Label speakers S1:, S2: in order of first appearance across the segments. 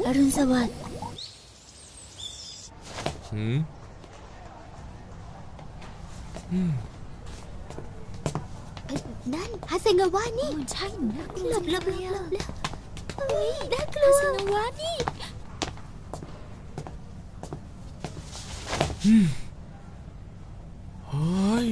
S1: รุณสวัสดิ์
S2: นั่นฮาเซงาวะนี่
S1: ใช่นะ
S2: หลบน่ากลัว
S1: ฮาเซงาวะนี่
S3: เฮ้ย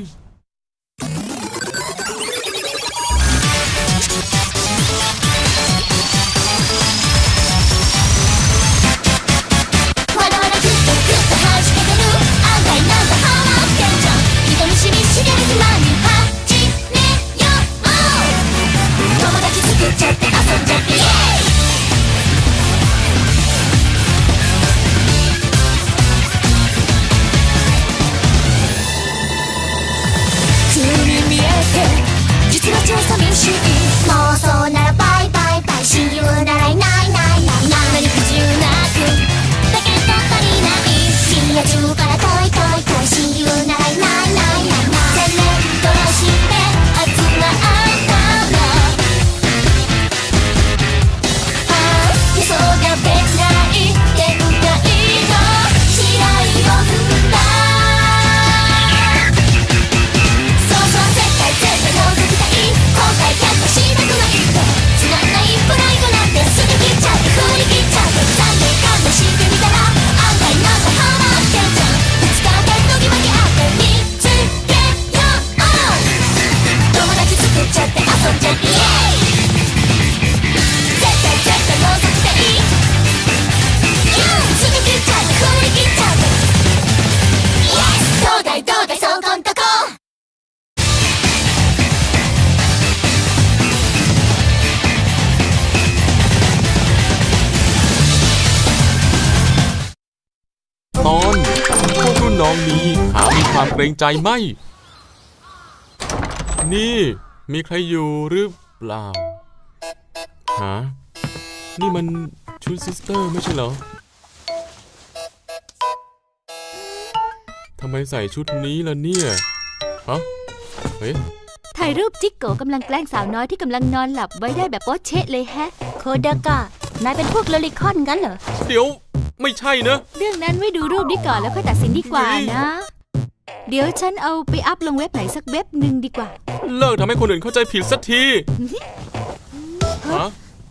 S3: ตอนพวกรุ่นน้องนี้หามีความเกรงใจไหมนี่มีใครอยู่หรือเปล่าหานี่มันชุดซิสเตอร์ไม่ใช่เหรอทำไมใส่ชุดนี้ล่ะเนี่ยฮะเฮ้ย
S1: ถ่ายรูปจิกโกกำลังแกล้งสาวน้อยที่กำลังนอนหลับไว้ได้แบบโป๊ะเชะเลยแฮะโคดากะนายเป็นพวกโลลิคอนงั้นเหรอ
S3: เดี๋ยวไม่ใช่นะ
S1: เรื่องนั้นไว้ดูรูปนี้ก่อนแล้วค่อยตัดสินดีกว่านะเดี๋ยวฉันเอาไปอัพลงเว็บไหนสักเว็บหนึ่งดีกว่า
S3: เลิกทำให้คนอื่นเข้าใจผิดสักทีฮะ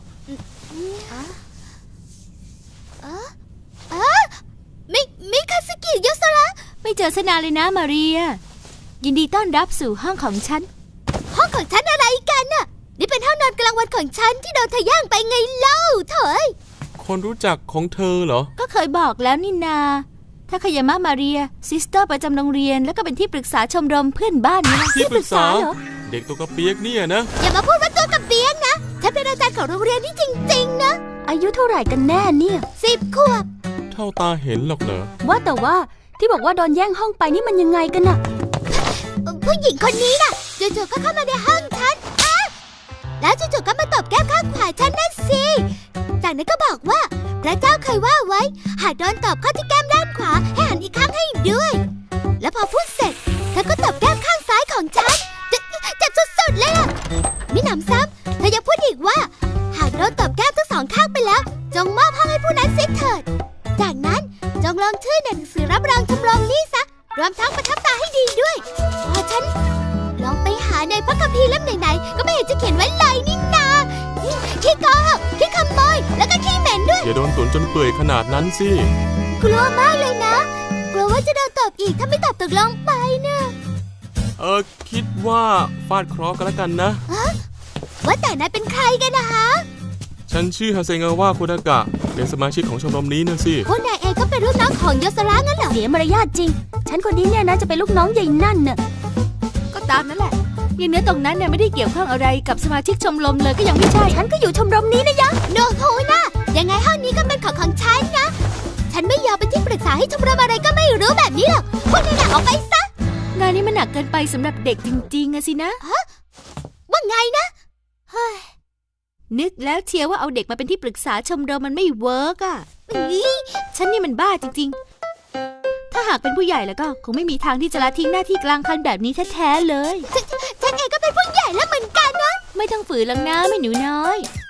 S2: มิคาสกิโยสระ
S1: ไม่เจอสนานเลยนะมาเรียยินดีต้อนรับสู่ห้องของฉัน
S2: ห้องของฉันอะไรกันน่ะนี่เป็นห้องนอนกลางวันของฉันที่โดนเธอย่างไปไงเล่าเถอย
S3: คนรู้จักของเธอเหรอ
S1: ก็เคยบอกแล้วนี่นาถ้าคายามะมาเรียซิสเตอร์ประจำโรงเรียนแล้วก็เป็นที่ปรึกษาชมรมเพื่อนบ้านนี่นะ
S3: ที่ปรึกษาเหรอเด็กตัวกระเปียกเนี่ยนะ
S2: อย่ามาพูดว่าตัวกระเปียกนะฉันเป็นอาจารย์ของโรงเรียนนี่จริงๆนะ
S1: อายุเท่าไหร่กันแน่เนี่ย
S2: 10 ขวบ
S3: เท่าตาเห็นหรอกเหรอ
S1: ว่าแต่ว่าที่บอกว่าโดนแย่งห้องไปนี่มันยังไงกันน่ะ
S2: ผู้หญิงคนนี้น่ะจู่ๆก็เข้ามาในห้องฉันแล้วจู่ๆก็มาตบแก้มข้างขวาฉันนั่นสิจากนั้นก็บอกว่าพระเจ้าเคยว่าไว้หากโดนตบเข้าที่แก้มด้านขวาให้หันอีกข้างให้ด้วยแล้วพอพูดเสร็จเธอก็ตบแก้มข้างซ้ายของฉันเจ็บสุดๆเลยล่ะมิหนำซ้ำเธอยังพูดอีกว่าหากโดนตบแก้มทั้งสองข้างไปแล้วจงมอบห้องให้ผู้นั้นเสียเถิดจากนั้นจงลงชื่อในหนังสือรับรองชมรมนี้ซะรวมทั้งประทับตาให้ดีด้วยพอฉันลองไปหาในพระคัมภีร์เล่มไหนๆก็ไม่เห็นจะเขียนไว้เลยนี่นาขี้โกหกขี้ขโมยแล้วก็ขี้เหม็นด้วย
S3: อย่าโดนตุ่นจนเปื่อยขนาดนั้นสิ
S2: กลัวมากเลยนะกลัวว่าจะโดนตบอีกถ้าไม่ตอบตกลงไปนะ
S3: คิดว่าฟาดเคราะห์กันแล้วกันนะ
S2: ว่าแต่นายเป็นใครกันนะฮะ
S3: ฉันชื่อฮาเซงาวะโคดากะเป็นสมาชิกของชมรมนี้นะสิ
S2: พวกนายเองก็เป็นรุ่นน้องของโยสระงั้นเหรอ
S1: เสียมารยาทจริงฉันคนนี้เนี่ยนะจะเป็นลูกน้องใหญ่นั่นน่ะก็ตามนั่นแหละยังเนื้อตรงนั้นเนี่ยไม่ได้เกี่ยวข้องอะไรกับสมาชิกชมรมเลยก็ยังไม่ใช่ฉันก็อยู่ชมรมนี้นะยะ
S2: โนโฮนะยังไงห้องนี้ก็เป็นของฉันนะฉันไม่ยอมเป็นที่ปรึกษาให้ชมรมอะไรก็ไม่รู้แบบนี้หรอกพวกนายออกไปซะ
S1: งานนี้มันหนักเกินไปสำหรับเด็กจริงๆอะสินะ
S2: ว่าไงนะ
S1: เฮ้ยนึกแล้วเชียร์ว่าเอาเด็กมาเป็นที่ปรึกษาชมรมมันไม่เวิร์กอ่ะฉันนี่มันบ้าจริงๆถ้าหากเป็นผู้ใหญ่แล้วก็คงไม่มีทางที่จะละทิ้งหน้าที่กลางคันแบบนี้แท้ๆเลย
S2: ฉันเองก็เป็นผู้ใหญ่แล้วเหมือนกันนะ
S1: ไม่ต้องฝืนหรอกนะแม่หนูน้อย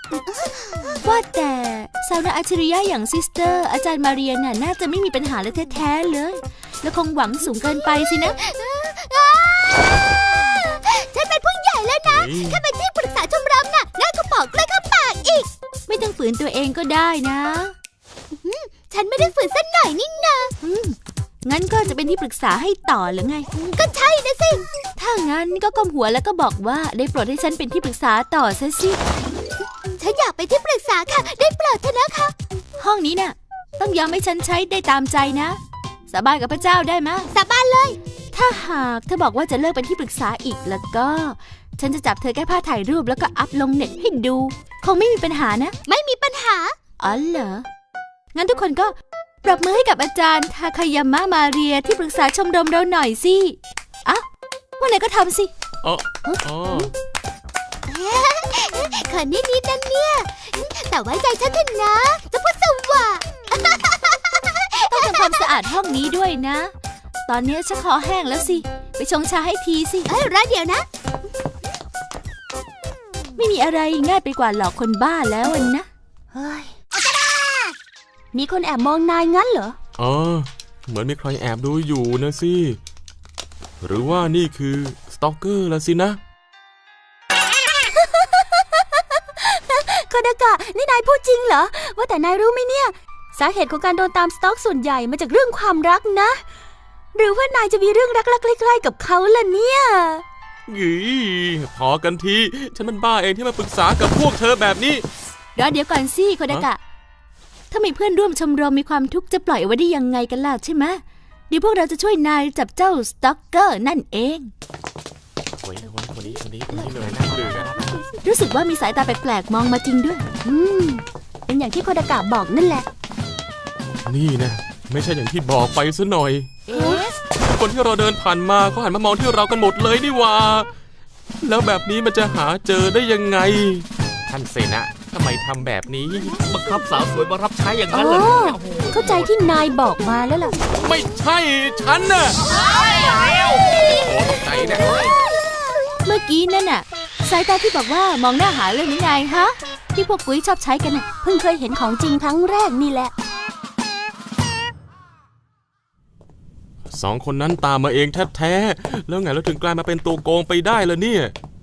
S1: ว่าแต่สาวนาอัจฉริยะอย่างซิสเตอร์อาจารย์มาเรียนน่าจะไม่มีปัญหาเลยแท้ๆเลยแล้วคงหวังสูงเกินไปสินะ
S2: ฉันเป็นผู้ใหญ่แล้วนะแค่เป็นที่ปรึกษาชมรมน่ะน่าก็บอกเลยเข้าปากอีก
S1: ไม่ต้องฝืนตัวเองก็ได้นะ
S2: ฉันไม่ได้ฝืนสักหน่อยนี่นา
S1: งั้นก็จะเป็นที่ปรึกษาให้ต่อหรือไง
S2: ก็ใช่นะสิ
S1: ถ้างั้นก็ก้มหัวแล้วก็บอกว่าได้โปรดให้ฉันเป็นที่ปรึกษาต่อซะสิ
S2: ฉันอยากเป็นที่ปรึกษาค่ะได้โปรดเถอะนะคะ
S1: ห้องนี้น่ะต้องยอมให้ฉันใช้ได้ตามใจนะสาบานกับพระเจ้าได้ไหม
S2: สาบานเลย
S1: ถ้าหากเธอบอกว่าจะเลิกเป็นที่ปรึกษาอีกแล้วก็ฉันจะจับเธอแก้ผ้าถ่ายรูปแล้วก็อัพลงเน็ตให้ดูคงไม่มีปัญหานะ
S2: ไม่มีปัญหา
S1: อ๋อเหรองั้นทุกคนก็ปรบมือให้กับอาจารย์ทาคายามะมาเรียที่ปรึกษาชมรมเราหน่อยสิอ่ะว่าไหนก็ทำสิ
S2: คนนิดนั่นเนี่ยแต่ไว้ใจฉันเถอะนะจะพูดสว่า
S1: ต้องทำความสะอาดห้องนี้ด้วยนะตอนนี้ฉันคอแห้งแล้วสิไปชงชาให้ทีสิ
S2: รอเดี๋ยวนะ
S1: ไม่มีอะไรง่ายไปกว่าหลอกคนบ้าแล้วนะ
S2: เฮ้ย
S1: มีคนแอบมองนายงั้นเหรอ
S3: เหมือนมีใครแอบดูอยู่นะสิหรือว่านี่คือสตอกเกอร์ละสินะ
S1: โคดากะนี่นายพูดจริงเหรอว่าแต่นายรู้ไหมเนี่ยสาเหตุของการโดนตามสต็อกส่วนใหญ่มาจากเรื่องความรักนะหรือว่านายจะมีเรื่องรักๆใกล้ๆกับเขาล่ะเนี่ย
S3: พอกันทีฉันมันบ้าเองที่มาปรึกษากับพวกเธอแบบนี้
S1: เดี๋ยวก่อนสิโคดากะถ้ามีเพื่อนร่วมชมรมมีความทุกข์จะปล่อยไว้ได้ยังไงกันล่ะใช่ไหมเดี๋ยวพวกเราจะช่วยนายจับเจ้าสต็อกเกอร์นั่นเอง
S3: คนนี้เลยน่าเบื่อ
S1: รู้สึกว่ามีสายตาแปลกๆมองมาจริงด้วยเป็นอย่างที่โคดากะบอกนั่นแหละ
S3: นี่นะไม่ใช่อย่างที่บอกไปซะหน่อยคนที่เราเดินผ่านมาเขาหันมามองที่เรากันหมดเลยนี่ว่าแล้วแบบนี้มันจะหาเจอได้ยังไงท่านเสนะทำไมทำแบบนี้บังคับสาวสวยมารับใช้อย่างนั้นเลย
S1: เข้าใจที่นายบอกมาแล้วล่ะ
S3: ไม่ใช่ฉันน่ะใจนะ
S1: เมื่อกี้นั่นน่ะสายตาที่บอกว่ามองหน้าหาเรื่องนี้ไงฮะที่พวกกุ้ยชอบใช้กันน่ะเพิ่งเคยเห็นของจริงครั้งแรกนี่แหละ
S3: 2 คนนั้นตามมาเองแท้ๆแล้วไงเราถึงกลายมาเป็นตัวโกงไปได้ล่ะเนี่ย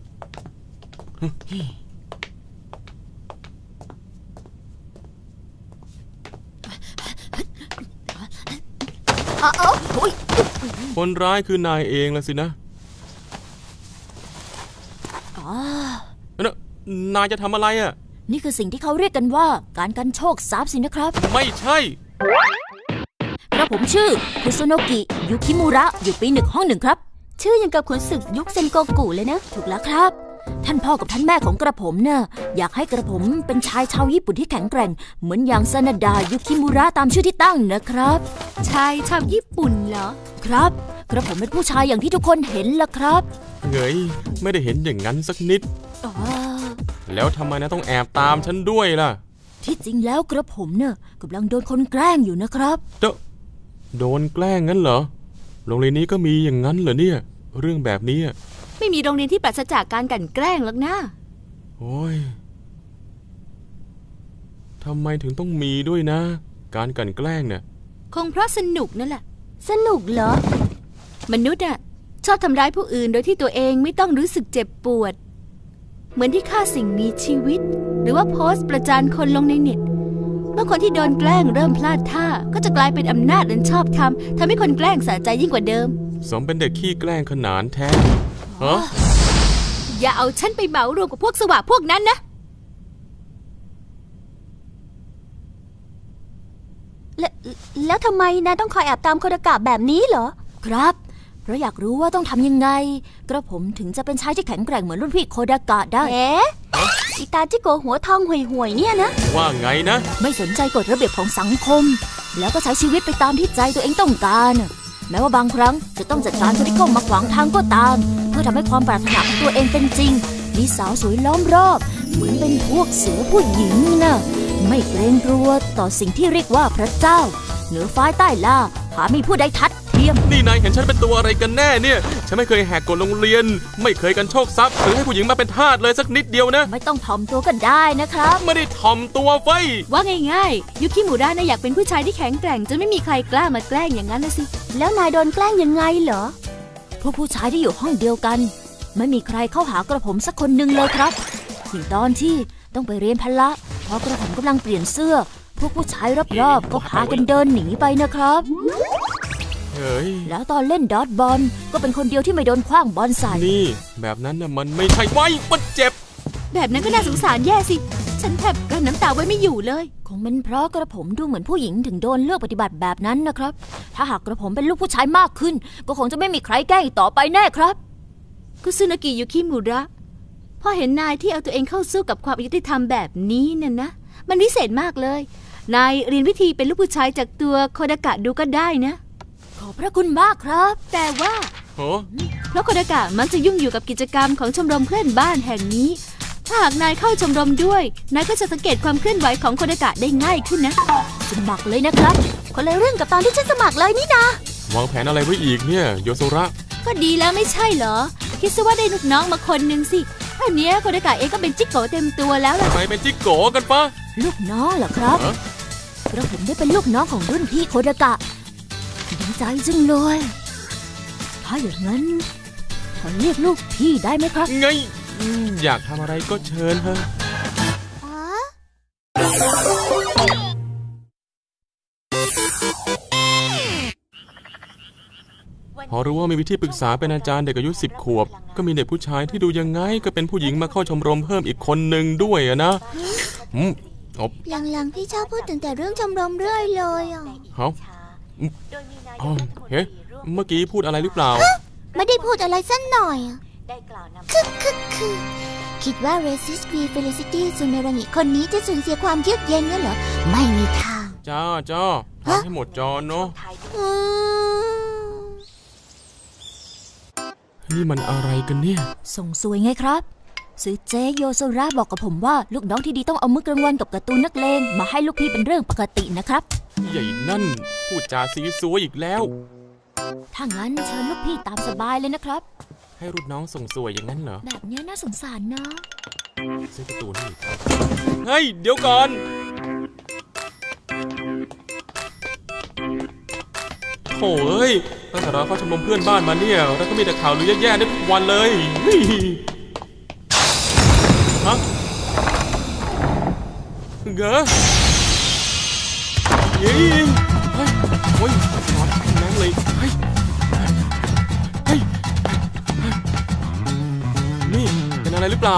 S3: คนร้ายคือนายเองล่ะสินะนายจะทำอะไรอ่ะ
S1: นี่คือสิ่งที่เขาเรียกกันว่าการกันโชคทรัพย์สินะครับ
S3: ไม่ใช่
S1: กระผมชื่อคุโซโนกิยุคิมุระอยู่ปี1ห้อง1ครับชื่อยังกับขุนศึกยุคเซนโกกุเลยนะถูกแล้วครับท่านพ่อกับท่านแม่ของกระผมเนี่ยอยากให้กระผมเป็นชายชาวญี่ปุ่นที่แข็งแกร่งเหมือนอย่างซานาดะยุคิมุระตามชื่อที่ตั้งนะครับชายชาวญี่ปุ่นเหรอครับกระผมเป็นผู้ชายอย่างที่ทุกคนเห็นล่ะครับ
S3: เฮ้ยไม่ได้เห็นอย่างนั้นสักนิดแล้วทำไมนะต้องแอบตามฉันด้วยล่ะ
S1: ที่จริงแล้วกระผมเนี่ยกำลังโดนคนแกล้งอยู่นะครับ
S3: โดนแกล้งงั้นเหรอโรงเรียนนี้ก็มีอย่างนั้นเหรอเนี่ยเรื่องแบบนี้
S1: ไม่มีโรงเรียนที่ปราศจากการกลั่นแกล้งหรอกนะ
S3: โอ้ยทำไมถึงต้องมีด้วยนะการกลั่นแกล้งเนี่ย
S1: คงเพราะสนุกนั่นแหละสนุกเหรอมนุษย์ชอบทำร้ายผู้อื่นโดยที่ตัวเองไม่ต้องรู้สึกเจ็บปวดเหมือนที่ฆ่าสิ่งมีชีวิตหรือว่าโพสต์ประจานคนลงในเน็ตเมื่อคนที่โดนแกล้งเริ่มพลาดท่าก็จะกลายเป็นอำนาจอันชอบธรรมทำให้คนแกล้งสะใจยิ่งกว่าเดิม
S3: สมเป็นเด็กขี้แกล้งขนานแท้
S1: อย่าเอาฉันไปเหมารวมกับพวกสวะพวกนั้นนะแล้วทำไมนะต้องคอยแอบตามโคดากะแบบนี้เหรอครับเพราะอยากรู้ว่าต้องทำยังไงกระผมถึงจะเป็นชายที่แข็งแกร่งเหมือนรุ่นพี่โคดากะได้อีตาจิโกหัวทองห่วยๆเนี่ยนะ
S3: ว่าไงนะ
S1: ไม่สนใจกฎระเบียบของสังคมแล้วก็ใช้ชีวิตไปตามที่ใจตัวเองต้องการแม้ว่าบางครั้งจะต้องจัดการคนที่เข้ามาขวางทางก็ตามเพื่อทำให้ความปรารถนาของตัวเองเป็นจริงมีสาวสวยล้อมรอบเหมือนเป็นพวกเสือผู้หญิงนะไม่เกรงกลัวต่อสิ่งที่เรียกว่าพระเจ้าเหนือฟ้าใต้ล่าหามีผู้ใดทัดที
S4: ลี่ยม
S3: นี่นายเห็นฉันเป็นตัวอะไรกันแน่เนี่ยฉันไม่เคยแหกกฎโรงเรียนไม่เคยกันโชคทรัพย์หรือให้ผู้หญิงมาเป็นทาสเลยสักนิดเดียวนะ
S4: ไม่ต้องถ่อมตัวกันได้นะครับ
S3: ไม่ได้ถ่อมตัวไฟ
S1: ว่าง่ายๆ ยุคิมุระนะอยากเป็นผู้ชายที่แข็งแกร่งจนไม่มีใครกล้ามาแกล้งอย่างนั้นนะสิ
S4: แล้วนายโดนแกล้งยังไงเหรอพวกผู้ชายที่อยู่ห้องเดียวกัน ไม่มีใครเข้าหากระผมสักคนหนึ่งเลยครับอย่างตอนที่ต้องไปเรียนพละพอกระผมกำลังเปลี่ยนเสื้อพวกผู้ชายรอบๆก็พากันเดินหนีไปนะครับ
S3: เฮ้ย
S4: แล้วตอนเล่นดอทบอลก็เป็นคนเดียวที่ไม่โดนขว้างบอลใส่
S3: นี่แบบนั้นน่ะมันไม่ใช่ไว้มันเจ็บ
S1: แบบนั้นก็น่าสงสารแย่สิ ฉันแทบกลั้นน้ำตาไว้ไม่อยู่เลย
S4: คงเป็นเพราะกระผมดูเหมือนผู้หญิงถึงโดนเลือกปฏิบัติแบบนั้นนะครับ ถ้าหากกระผมเป็นลูกผู้ชายมากขึ้น ก็คงจะไม่มีใครแกล้งอีกต่อไปแน่ครับ
S1: คุซึนากิยุคิมุระพอเห็นนายที่เอาตัวเองเข้าสู้กับความอายุติธรรมแบบนี้เนี่ยนะ มันวิเศษมากเลย นายเรียนวิธีเป็นลูกผู้ชายจากตัวโคดากะดูก็ได้นะ
S4: ขอบพระคุณมากครับ
S1: แต่ว่า
S3: โอ้
S1: เพราะโคดากะมักจะยุ่งอยู่กับกิจกรรมของชมรมเพื่อนบ้านแห่งนี้ ถ้าหากนายเข้าชมรมด้วย นายก็จะสังเกตความเคลื่อนไหวของโคดากะได้ง่ายขึ้นนะ
S4: สมัครเลยนะครับคนละเรื่องกับตอนที่ฉันสมัครเลยนี่นะ
S3: วางแผนอะไรไว้อีกเนี่ยโยโซระ
S1: ก็ดีแล้วไม่ใช่เหรอ คิดซะว่าได้ลูกน้องมาคนหนึ่งสิอันเนี้ยโคดากะเองก็เป็นจิ๊กโกเต็มตัวแล้วล่ะ
S3: ไปเป็นจิกโกกันปะ
S4: ลูกน้องเหรอครับ
S3: ฮะ
S4: กระผมได้เป็นลูกน้องของรุ่นพี่โคดากะดีใจจังเลยถ้าอย่างนั้นขอเรียกลูกพี่ได้ไหมครับ
S3: ไงอยากทำอะไรก็เชิญเถอะ
S2: อ๋อ
S3: พอรู้ว่ามีวิธีปรึกษาเป็นอาจารย์เด็กอายุ10 ขวบ ก็มีเด็กผู้ชายที่ดูยังไงก็เป็นผู้หญิงมาเข้าชมรมเพิ่มอีกคนหนึ่งด้วยอะนะอบ
S2: หลังๆพี่ชอบพูดถึงแต่เรื่องชมรมเรื่อยเลยอ่ะ
S3: เฮ้าอ๋อเฮ้เมื่อกี้พูดอะไรหรือเปล่า
S2: ไม่ได้พูดอะไรสักหน่อยอะคือคิดว่า Resist V Felicity ซูเมรังิคนนี้จะสูญเสียความเยือกเย็นงั้นเหรอ ไม่มีทาง
S3: จ้าทำให้หมดจอเนาะ
S2: อืม
S3: นี่มันอะไรกันเนี่ย
S4: ส่งสวยไงครับซื้อเจโยโซระบอกกับผมว่าลูกน้องที่ดีต้องเอามื้อกลางวันกับการ์ตูนนักเลงมาให้ลูกพี่เป็นเรื่องปกตินะครับ
S3: ใหญ่นั่นพูดจาซีซัวอีกแล้ว
S4: ถ้างั้นเชิญลูกพี่ตามสบายเลยนะครับ
S3: ให้รุ่นน้องส่งสวยอย่างนั้นเหรอ
S4: แบบนี้น่าสงสารนะ
S3: ซื้อการ์ตูนนี่เฮ้ยเดี๋ยวก่อนโถ่เอ้ยตั้งแต่เราเข้าชมรมเพื่อนบ้านมาเนี่ยแล้วก็มีแต่ข่าวลือแย่ๆได้ทุกวันเลยเฮ้ยฮะเก๋เฮ้ยเฮ้ยโอ้ยนอนแรงเลยเฮ้ยเฮ้ยนี่เป็นอะไรหรือเปล่า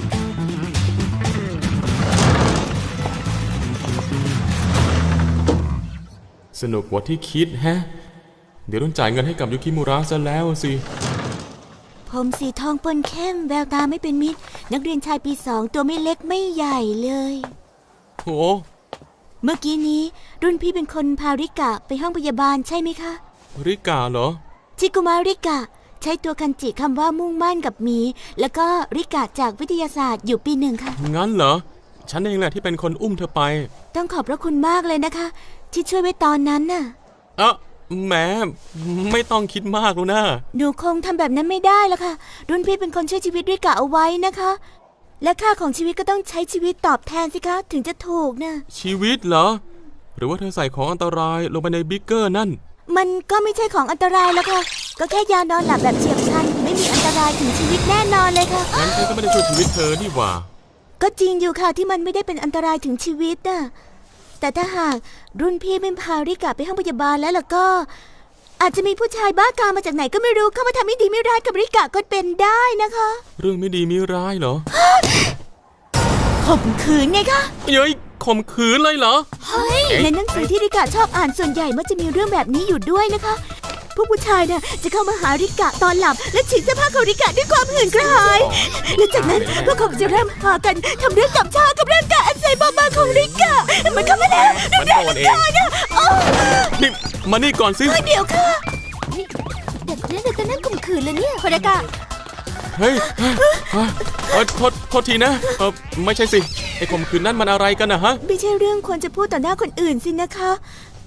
S3: สนุกกว่าที่คิดแฮะเดี๋ยวต้องจ่ายเงินให้กับยุคิมุระซะแล้วสิ
S2: ผมสีทองปนเข้มแววตาไม่เป็นมิตร นักเรียนชายปี 2ตัวไม่เล็กไม่ใหญ่เลย
S3: โห
S2: เมื่อกี้นี้รุ่นพี่เป็นคนพาริกะไปห้องพยาบาลใช่ไหมคะ
S3: ริกาเหรอ
S2: ชิกุมาริกะ ใช้ตัวคันจิคำว่ามุ่งมั่นกับหมี แล้วก็ริกะจากวิทยาศาสตร์อยู่ปี 1ค่ะ
S3: งั้นเหรอฉันเองแหละที่เป็นคนอุ้มเธอไป
S2: ต้องขอบพระคุณมากเลยนะคะ ที่ช่วยไว้ตอนนั้นน่ะ
S3: แหมไม่ต้องคิดมากแล้วนะ
S2: หนูคงทำแบบนั้นไม่ได้แล้วค่ะ รุ่นพี่เป็นคนช่วยชีวิตริกะเอาไว้นะคะ และค่าของชีวิตก็ต้องใช้ชีวิตตอบแทนสิคะถึงจะถูกนะ
S3: ชีวิตเหรอ หรือว่าเธอใส่ของอันตรายลงไปในบิ๊กเกอร์นั่น
S2: มันก็ไม่ใช่ของอันตรายแล้วค่ะ ก็แค่ยานอนหลับแบบเฉียบพลันไม่มีอันตรายถึงชีวิตแน่นอนเลยค่ะ
S3: งั้นฉันก็ไม่ได้ช่วยชีวิตเธอนี่หว่า
S2: ก็จริงอยู่ค่ะที่มันไม่ได้เป็นอันตรายถึงชีวิตน่ะแต่ถ้าหากรุ่นพี่ไม่พาริกะไปห้องพยาบาลแล้วล่ะก็ อาจจะมีผู้ชายบ้ากามมาจากไหนก็ไม่รู้เข้ามาทำไม่ดีไม่ร้ายกับริกะก็เป็นได้นะคะ
S3: เรื่องไม่ดีมีร้ายเหรอ
S2: ข่มขืนไงคะ
S3: เย้ยข่มขืนเลยเหรอ
S2: เฮ้ยในหนังสือที่ริกะชอบอ่านส่วนใหญ่มักจะมีเรื่องแบบนี้อยู่ด้วยนะคะพวกผู้ชายเนี่ยจะเข้ามาหาริกะตอนหลับและฉีกเสื้อผ้าของริกะด้วยความหื่นกระหายและจากนั้นพวกเขาจะเริ่มพากันทำเรื่องกับชากับร่างกายอันใสบอบบางของริกะมันเข้ามาแล้ว
S3: มันโดนเองนี่มานี่ก่อนสิ
S2: เดี๋ยวค่ะเด็กคนนั้นจะนั่งข่มขืนเลยเนี่ย
S1: โคดากะ
S3: เฮ้ยโทษทีนะไม่ใช่สิไอ้ข่มขืนนั่นมันอะไรกันนะฮะ
S2: ไม่ใช่เรื่องควรจะพูดต่อหน้าคนอื่นสินะคะ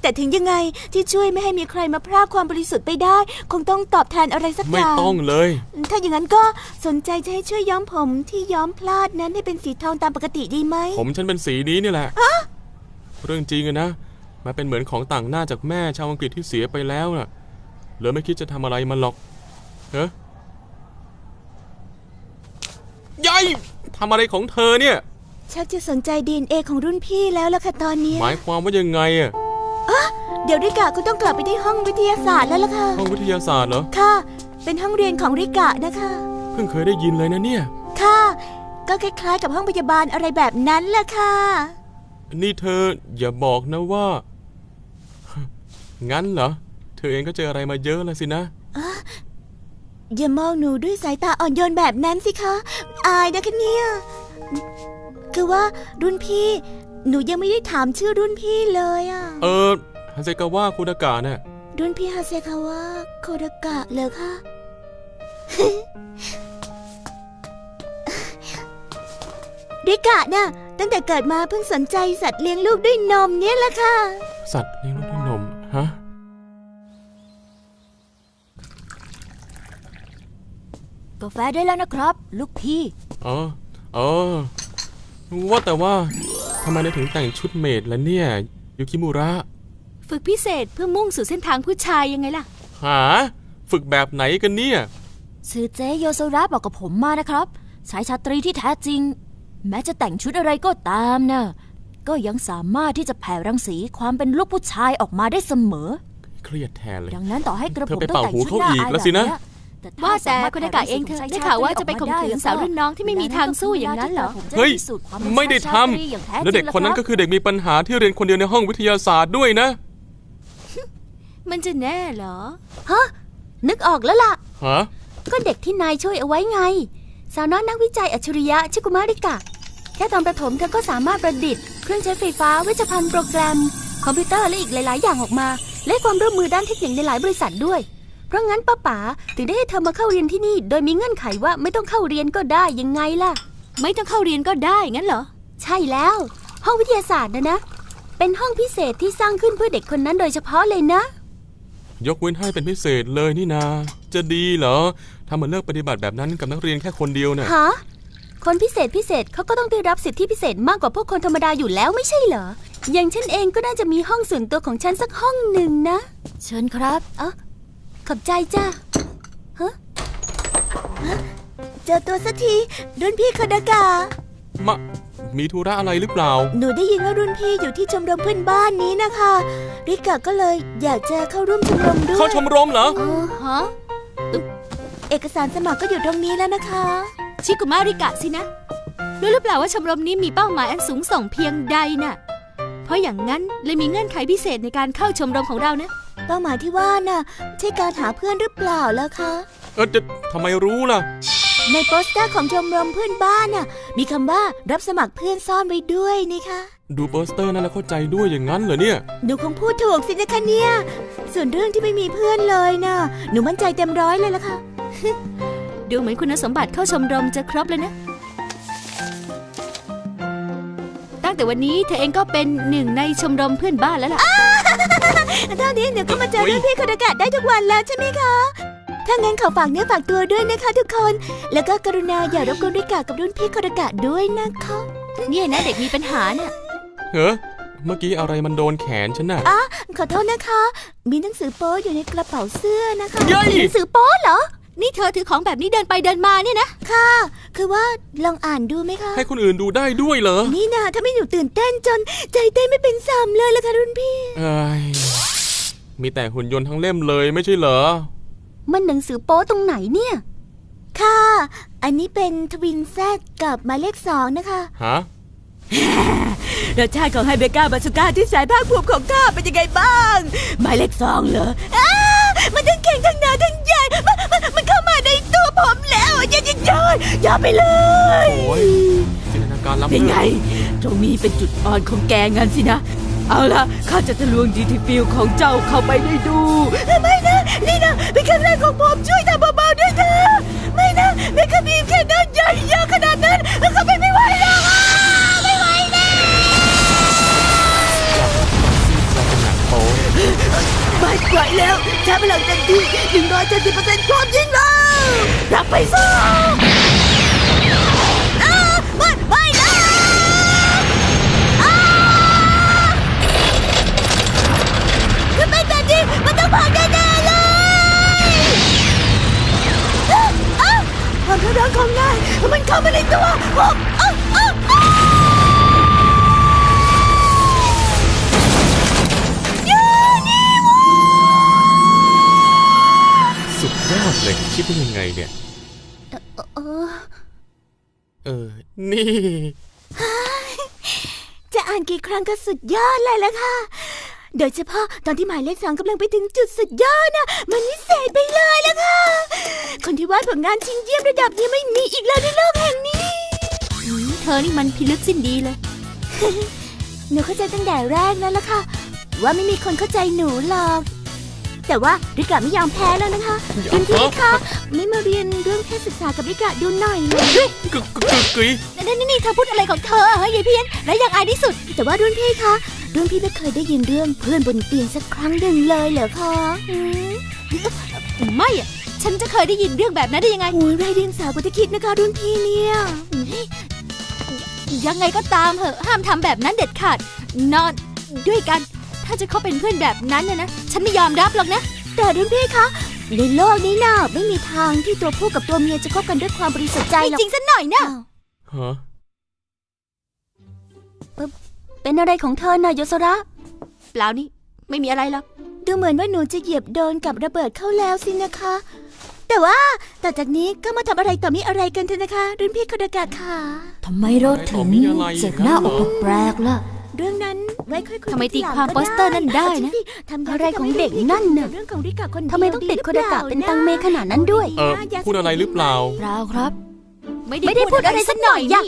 S2: แต่ถึงยังไงที่ช่วยไม่ให้มีใครมาพรากความบริสุทธิ์ไปได้ คงต้องตอบแทนอะไรสักอ
S3: ไม่
S2: ย่าง
S3: ต้องเลย
S2: ถ้าอย่างนั้นก็สนใจจะให้ช่วยย้อมผมที่ย้อมพลาดนั้นให้เป็นสีทองตามปกติดีไหม
S3: ผมฉันเป็นสีนี้นี่แหละเรื่องจริงอะนะมาเป็นเหมือนของต่างหน้าจากแม่ชาวอังกฤษที่เสียไปแล้วน่ะเหลือไม่คิดจะทำอะไรมันหรอกเฮ้ยยายทำอะไรของเธอเนี่ย
S2: ชักจะสนใจ DNA ของรุ่นพี่แล้วล่ะค่ะตอนนี้
S3: หมายความว่ายังไงอะ
S2: เดี๋ยวริกะก็ต้องกลับไปที่ห้องวิทยาศาสตร์แล้วล่ะค่ะ
S3: ห้องวิทยาศาสตร์เหรอ
S2: ค่ะ เป็นห้องเรียนของริกะนะคะ
S3: เพิ่งเคยได้ยินเลยนะเนี่ย
S2: ค่ะ ก็คล้ายๆกับห้องพยาบาลอะไรแบบนั้นล่ะค่ะ
S3: นี่เธออย่าบอกนะว่า งั้นเหรอเธอเองก็เจออะไรมาเยอะแล้วสินะ
S2: อย่ามองหนูด้วยสายตาอ่อนโยนแบบนั้นสิคะ อายนะคะเนี่ยคือว่ารุ่นพี่ หนูยังไม่ได้ถามชื่อรุ่นพี่เลยอะ
S3: ฮันเซกาวะคุดากะเนี่ย
S2: รุ่นพี่ฮาเซคาวะโคดากะเลยค่ะ ริกะน่ะตั้งแต่เกิดมาเพิ่งสนใจสัตว์เลี้ยงลูกด้วยนมเนี่ยแหละค่ะ
S3: สัตว์เลี้ยงลูกด้วยนมฮะ
S4: กาแฟได้แล้วนะครับ ลูกพี่
S3: อ๋อว่าแต่ว่าทำไมนายถึงแต่งชุดเมดล่ะเนี่ยยูคิมุระ
S1: ฝึกพิเศษเพื่อมุ่งสู่เส้นทางผู้ชายยังไงล่ะ
S3: หาฝึกแบบไหนกันเนี่ย
S4: ซือเจโยโซระบอกกับผมมานะครับชายชาตรีที่แท้จริง แม้จะแต่งชุดอะไรก็ตามนะก็ยังสามารถที่จะแผ่รังสีความเป็นลูกผู้ชายออกมาได้เสมอ
S3: เครียดแทนเลย
S4: ดังนั้นต่อให้กระผม
S3: เธอไป
S4: ต้อง
S3: เป่า
S4: แต่ง
S3: หู
S4: ชุด
S3: เขา
S4: หน้า
S3: อีก
S4: อาย
S3: แล้ว
S4: แบบ
S3: สินะ
S4: เนี้ย
S1: ว่าแต่คุณอากาศเองเถอะได้ข่าวว่าจะไปข่มขืนสาวรุ่นน้องที่ไม่มีทางสู้อย่างนั้นเหรอ
S3: เฮ้ยไม่ได้ทำแล้วเด็กคนนั้นก็คือเด็กมีปัญหาที่เรียนคนเดียวในห้องวิทยาศาสตร์ด้วยนะ
S1: มันจะแน่เหรอ
S2: นึกออกแล้วล่ะ
S3: ฮะ
S2: ก็เด็กที่นายช่วยเอาไว้ไง สาวน้อยนักวิจัยอัจฉริยะชิคุมาริกะ แค่ตอนประถมเธอก็สามารถประดิษฐ์เครื่องใช้ไฟฟ้าเวชภัณฑ์โปรแกรม คอมพิวเตอร์และอีกหลาย ๆ อย่างออกมา และความร่วมมือด้านเทคนิคในหลายบริษัทด้วย เพราะงั้นป้าป๋าถึงได้ให้เธอมาเข้าเรียนที่นี่ โดยมีเงื่อนไขว่าไม่ต้องเข้าเรียนก็ได้ยังไงล่ะ
S1: ไม่ต้องเข้าเรียนก็ได้งั้นเหรอ
S2: ใช่แล้ว ห้องวิทยาศาสตร์นะ เป็นห้องพิเศษที่สร้างขึ้นเพื่อเด็กคนนั้นโดยเฉพาะเลยนะ
S3: ยกเว้นให้เป็นพิเศษเลยนี่นาจะดีเหรอทำเหมือนเลิกปฏิบัติแบบนั้นกับนักเรียนแค่คนเดียวเนี่ย
S2: ฮะ คนพิเศษเขาก็ต้องได้รับสิทธิพิเศษมากกว่าพวกคนธรรมดาอยู่แล้วไม่ใช่เหรอ อย่างฉันเองก็น่าจะมีห้องส่วนตัวของฉันสักห้องหนึ่งนะ
S4: เชิญครับ
S2: ขอบใจจ้าฮะเจอตัวสักทีรุ่นพี่คดากะ
S3: มีธุระอะไรหรือเปล่า
S2: หนูได้ยินว่ารุ่นพี่อยู่ที่ชมรมเพื่อนบ้านนี้นะคะริกะก็เลยอยากจะเข้าร่วมชมรมด้วย
S3: เข้าชมรมเหรอ
S1: ฮะ
S2: เอกสารสมัครก็อยู่ตรงนี้แล้วนะคะ
S1: ชิกุมาริกะสินะรู้หรือเปล่าว่าชมรมนี้มีเป้าหมายอันสูงส่งเพียงใดน่ะ เพราะอย่างนั้นเลยมีเงื่อนไขพิเศษในการเข้าชมรมของเรานะ
S2: เป้าหมายที่ว่าน่ะใช่การหาเพื่อนหรือเปล่าล่ะคะ
S3: จะทำไมรู้ล่ะ
S2: ในโปสเตอร์ของชมรมเพื่อนบ้านน่ะมีคำว่ารับสมัครเพื่อนซ่อนไว้ด้วยนี่คะ
S3: ดูโปสเตอร์นั่นแล้วเข้าใจด้วยอย่างนั้นเหรอเนี่ย
S2: หนูคงพูดถูกสินะคะเนี่ยส่วนเรื่องที่ไม่มีเพื่อนเลยน่ะหนูมั่นใจเต็มร้อยเลยล่ะค่ะ
S1: ดูเหมือนคุณสมบัติเข้าชมรมจะครบเลยนะ ตั้งแต่วันนี้เธอเองก็เป็นหนึ่งในชมรมเพื่อนบ้านแล้วล่ะ
S2: ตอนนี้หนูก็มาเจอรุ่นพี่คดากะได้ทุกวันแล้วใช่ไหมคะ ถ้างั้นขอฝากเนื้อฝากตัวด้วยนะคะทุกคน แล้วก็กรุณาอย่ารบกวนริกะกับรุ่นพี่คดากะด้วยนะคะ
S1: เนี่ยนะเด็กมีปัญหาน่ะ
S3: เฮ้เมื่อกี้อะไรมันโดนแขนฉันน่ะ
S2: ขอโทษนะคะ มีหนังสือโป๊อยู่ในกระเป๋าเสื้อนะคะ
S3: เย้ย
S2: หนังสือโป๊เหรอ
S1: นี่เธอถือของแบบนี้เดินไปเดินมาเนี่ยนะ
S2: ค่ะ คือว่าลองอ่านดูไหมคะ
S3: ให้คนอื่นดูได้ด้วยเหรอ
S2: นี่นะถ้าไม่หนูตื่นเต้นจนใจเต้นไม่เป็นสามเลยล่ะค่ะรุ่นพี่
S3: เอ้ยมีแต่หุ่นยนต์ทั้งเล่มเลยไม่ใช่เหรอ
S2: มันหนังสือโป๊ตรงไหนเนี่ย ค่ะ อันนี้เป็นทวินแซดกับหมายเลข2นะคะ
S3: ฮะ
S2: รสชาติของไฮเบก้าบาซูก้าที่แสนภาคภูมิของข้าเป็นยังไงบ้าง หมายเลข2เหรอมันทั้งแข็งทั้งหนาทั้งใหญ่มันเข้ามาในตัวผมแล้วอย่าไปเลย
S3: โอ้ยจินตนาการล้ำ
S5: เป็น
S3: เลิ
S5: ไง
S3: ศ
S5: ตรงนี้เป็นจุดอ่อนของแกงั้นสินะ เอาล่ะข้าจะทะลวงดีทีฟิลของเจ้าเข้าไปได้ดู
S2: ไม่นะนี่นะเป็นครั้งแรกของผมช่วยทำเบาๆด้วยเถอะไม่นะเมคาบีมแค่นั้นใหญ่เยอะขนาดนั้นเขาไม่ไหวหรอกไม่ไหวนะ
S3: เราเป็นหนังโป๊
S5: 170%ความจริงแล้วรับไปซะ
S2: ไม่นะถ้าเป็นแบบนี้มันต้องพังแน่ๆเลย
S5: ความท้าทายของนายมันเข้ามาในตัวผม
S3: สุดยอดเลยคิดได้ยังไงเนี่ยนี่
S2: จะอ่านกี่ครั้งก็สุดยอดเลยล่ะค่ะโดยเฉพาะตอนที่หมายเลข 2กำลังไปถึงจุดสุดยอดนะมันวิเศษไปเลยล่ะค่ะคนที่วาดผลงานชิ้นเยี่ยมระดับนี้ไม่มีอีกแล้วในโลกแห่งนี้
S1: เธอนี่มันพิลึกสิ้นดีเลย
S2: หนูเข้าใจตั้งแต่แรกแล้วล่ะค่ะว่าไม่มีคนเข้าใจหนูหรอกแต่ว่าริกะไม่ยอมแพ้แล้วนะคะคุณพี่คะไม่มาเรียนเรื่องเพศศึกษากับริกะดูหน่อยเลย
S1: นี่เธอพูดอะไรของเธอเฮ้ยยายเพี้ยนและยังอายที่สุด
S2: แต่ว่ารุ่นพี่คะรุ่นพี่ไม่เคยได้ยินเรื่องเพื่อนบนเตียงสักครั้งหนึ่งเลยเหรอคะ
S1: ไม่อะฉันจะเคยได้ยินเรื่องแบบนั้นได้ยังไง
S2: โอ้ยไรเดียงสาวกว่าที่คิดนะคะรุ่นพี่เนี่ย
S1: ยังไงก็ตามเหอะห้ามทำแบบนั้นเด็ดขาดนอนด้วยกันถ้าจะเขาเป็นเพื่อนแบบนั้นนะฉันไม่ยอมรับหรอกนะ
S2: แต่รุ่นพี่คะในโลกนี้น่ะไม่มีทางที่ตัวผู้กับตัวเมียจะคบกันด้วยความบริสุทธิ์ใจหรอก
S1: จริงซะหน่อยนะ
S3: ฮะ
S2: เป็นอะไรของเธอน่ะโยโซระ
S1: เปล่านี่ไม่มีอะไรหรอก
S2: ดูเหมือนว่าหนูจะเหยียบโดนกับระเบิดเข้าแล้วสินะคะแต่ว่าต่อจากนี้ก็มาทำอะไรต่อมีอะไรกันเถอะนะคะรุ่นพี่คาดากะค่ะ
S4: ทำไมเราถึงเจ็บหน้าอกแปลกล่ะ
S2: เรื่องนั้นไว้ค่อยคุย
S1: ทำไมตีความโปสเตอร์นั่นได้นะ
S2: อะไรของเด็กนั่นน่ะทำไมต้องติดคาดากะเป็นตังเมขนาดนั้นด้วย
S3: พูดอะไรหรือเปล่า
S4: เปล่าครับ
S1: ไม่ได้พูดอะไรสักหน่อยนี่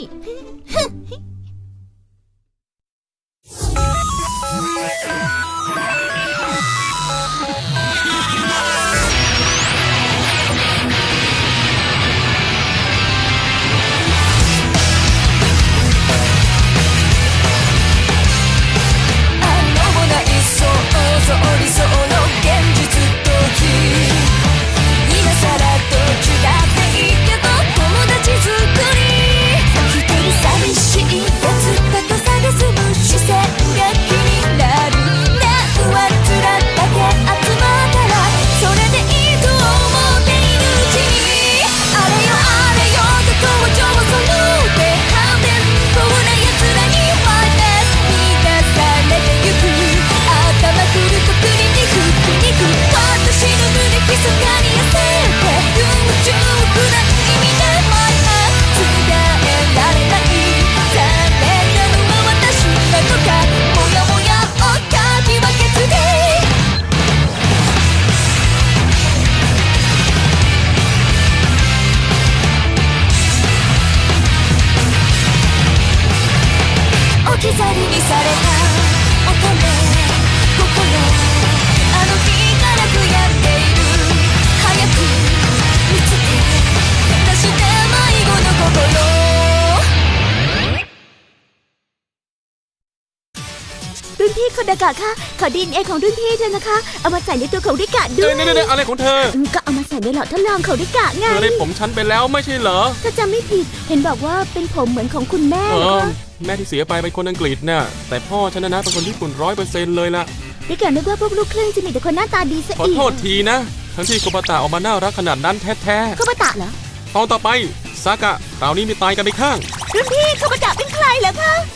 S2: คาดากะค่ะขอDNAของรุ่นพี่เธอนะคะเอามาใส่ในตัวของริกะด้วย
S3: อะไรของเธอ
S2: ก็เอามาใส่ในหลอดทดลองของริกะไง
S3: เธอได้ผมฉันไปแล้วไม่ใช่เหรอ
S2: ถ้าจำไม่ผิดเห็นบอกว่าเป็นผมเหมือนของคุณแม่
S3: แม่ที่เสียไปเป็นคนอังกฤษน่ะแต่พ่อฉันนะเป็นคนญี่ปุ่น100%เลยล่ะ
S2: ริกะนึกว่าพวกลูกครึ่งจะมีแต่คนหน้าตาดีซะอีก
S3: ขอโทษทีนะทั้งที่โคบะตะออกมาน่ารักขนาดนั้นแท้
S2: ๆโคบะตะเหรอ
S3: ตอนต่อไปซากะคราวนี้มีตายกันไปข้าง
S2: รุ่นพี่โคบะตะเป็นใครเหรอคะ